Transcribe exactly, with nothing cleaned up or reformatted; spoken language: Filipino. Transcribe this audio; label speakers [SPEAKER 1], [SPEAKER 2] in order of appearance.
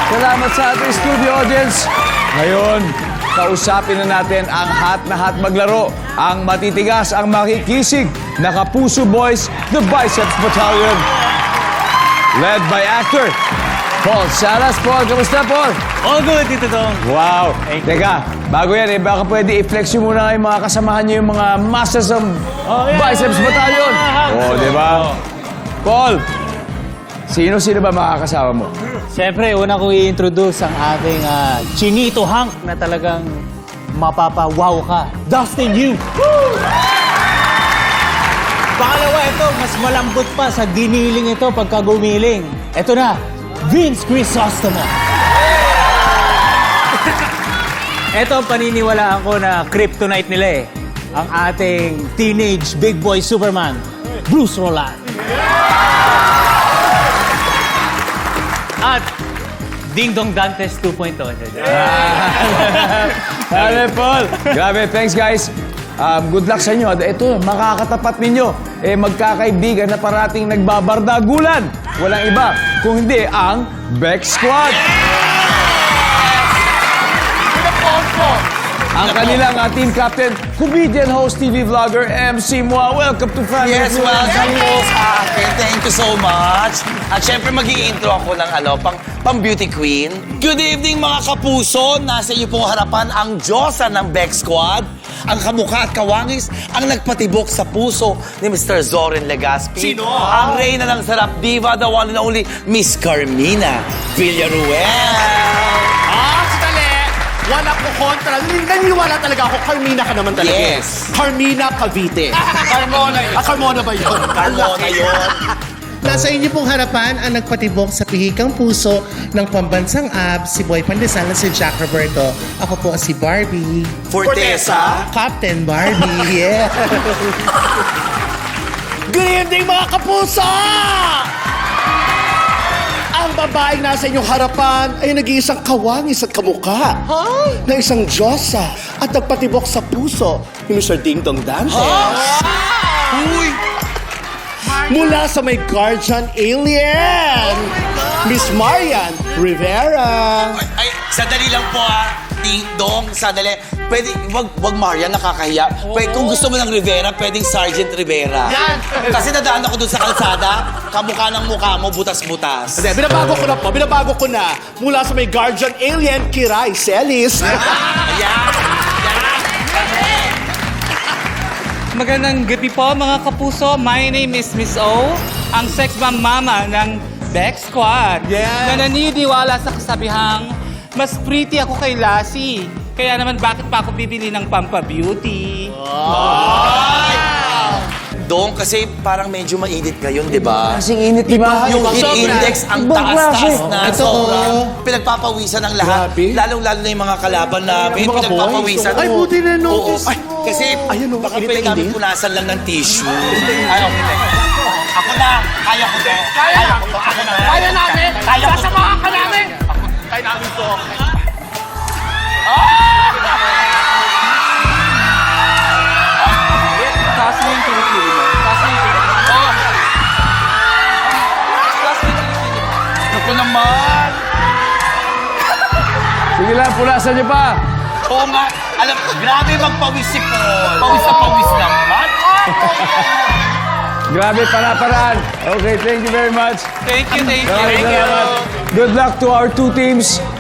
[SPEAKER 1] Salamat sa ating studio audience. Ngayon, kausapin na natin ang hot na hot maglaro. Ang matitigas, ang makikisig na Kapuso Boys, the Biceps Battalion. Led by actor Paul Salas. Paul, kamusta, Paul?
[SPEAKER 2] All good dito, Dong.
[SPEAKER 1] Wow. Teka, bago yan, eh, baka pwede i-flex nyo muna yung mga kasamahan nyo yung mga masters ng
[SPEAKER 2] Oh, yeah.
[SPEAKER 1] Biceps Battalion. Oh, di ba? Paul, sino-sino ba makakasama mo?
[SPEAKER 2] Siyempre, una ko i-introduce ang ating ah, Chinito Hank na talagang mapapawaw ka. Dustin Yu. Pangalawa, ito, mas malambot pa sa giniling ito pagka gumiling. Ito na, Vince Crisostomo. Ito, paniniwalaan ko na kryptonite nila eh. Ang ating teenage big boy Superman, Bruce Roland. At Ding Dong Dantes two point oh.
[SPEAKER 1] Hello, Paul. Grabe, thanks, guys. Um, good luck sa inyo. Ito, makakatapat ninyo. Eh, magkakaibigan na parating nagbabardagulan. Walang iba, kung hindi ang Bex Squad. Ang kanilang uh, team captain, comedian, host, T V vlogger, M C Moa. Welcome to Family
[SPEAKER 3] Yes,
[SPEAKER 1] Feud.
[SPEAKER 3] welcome po sa akin. Thank you so much. At syempre, mag-i-intro ako ng ano, pang, pang beauty queen. Good evening, mga kapuso. Nasa iyo pong harapan ang Diyosa ng Bex Squad. Ang kamukha at kawangis, ang nagpatibok sa puso ni Mister Zoren Legaspi.
[SPEAKER 4] Sino?
[SPEAKER 3] Ang reyna ng sarap diva, the one and only Miss Carmina Villaruel.
[SPEAKER 4] Ah, sandali! Wala ko kontra. Naniniwala talaga ako, Carmina ka naman talaga.
[SPEAKER 3] Yes.
[SPEAKER 4] Carmina Cavite.
[SPEAKER 3] Carmona yun.
[SPEAKER 4] Ah, Carmona ba yun?
[SPEAKER 3] Carmona yun.
[SPEAKER 5] Nasa inyo pong harapan ang nagpatibok sa pihikang puso ng pambansang abs, si Boy Pandesal at si Jack Roberto. Ako po si Barbie.
[SPEAKER 3] Fortesa.
[SPEAKER 5] Captain Barbie, yeah.
[SPEAKER 4] Good evening, mga kapuso! Ang babaeng nasa inyong harapan ay nag-iisang kawangis at kamukha na isang Diyosa at nagpatibok sa puso ni Mister Ding Dong Dantes.
[SPEAKER 3] Uy!
[SPEAKER 4] Mula sa may guardian alien, Miss Marian Rivera.
[SPEAKER 3] Ay, sandali lang po ah. Ding Dong, sandali. Pwede, wag, wag Marian, nakakahiya. Pwede, kung gusto mo ng Rivera, pwedeng Sergeant Rivera.
[SPEAKER 4] Yan!
[SPEAKER 3] Kasi nadaan ako dun sa kalsada, kamukha ng mukha mo, butas-butas.
[SPEAKER 4] Hindi, binabago ko na po, binabago ko na. Mula sa may guardian alien, Kiray Celis.
[SPEAKER 3] Ayan!
[SPEAKER 6] Magandang gabi po mga kapuso. My name is Miss O, ang sex bomb mama ng Bex Squad.
[SPEAKER 4] Yeah.
[SPEAKER 6] Na naniniwala sa kasabihang, mas pretty ako kay Lassie. Kaya naman bakit pa ako bibili ng Pampa Beauty?
[SPEAKER 3] Dong, kasi parang medyo mainit ngayon, di ba?
[SPEAKER 1] Kasing init, di ba?
[SPEAKER 3] Yung heat
[SPEAKER 4] Sobra.
[SPEAKER 3] index, ang
[SPEAKER 1] Ibang
[SPEAKER 3] taas-taas
[SPEAKER 1] klase.
[SPEAKER 3] na.
[SPEAKER 5] Ito,
[SPEAKER 3] Sobrang
[SPEAKER 5] oh.
[SPEAKER 3] pinagpapawisan ng lahat.
[SPEAKER 4] Grabe.
[SPEAKER 3] Lalong-lalo na yung mga kalaban namin.
[SPEAKER 4] Yung mga
[SPEAKER 3] Pinagpapawisan.
[SPEAKER 4] boys. Ay, buti na notice
[SPEAKER 3] Oo. Ay,
[SPEAKER 4] mo.
[SPEAKER 3] kasi
[SPEAKER 4] Ayun, oh,
[SPEAKER 3] baka
[SPEAKER 4] init na
[SPEAKER 3] pwede namin
[SPEAKER 4] init.
[SPEAKER 3] punasan lang ng tissue. Ay, okay. Ako na. Kaya ko to. Kaya ko to. Ako na.
[SPEAKER 4] Kaya namin!
[SPEAKER 3] Kaya ko to.
[SPEAKER 4] Sasamahan ka namin! Kaya namin to.
[SPEAKER 6] Taas mo yung kilikili mo. Taas mo yung kilikili mo. Taas mo yung kilikili mo.
[SPEAKER 3] Ako naman.
[SPEAKER 1] Sige lang, punasan niyo pa.
[SPEAKER 3] Oo nga. Alam, grabe magpawis si Paul. Pawis na pawis naman.
[SPEAKER 1] Grabe, para-paraan. Okay, thank you very much.
[SPEAKER 6] Thank you, thank you.
[SPEAKER 1] Maraming salamat. Good luck to our two teams.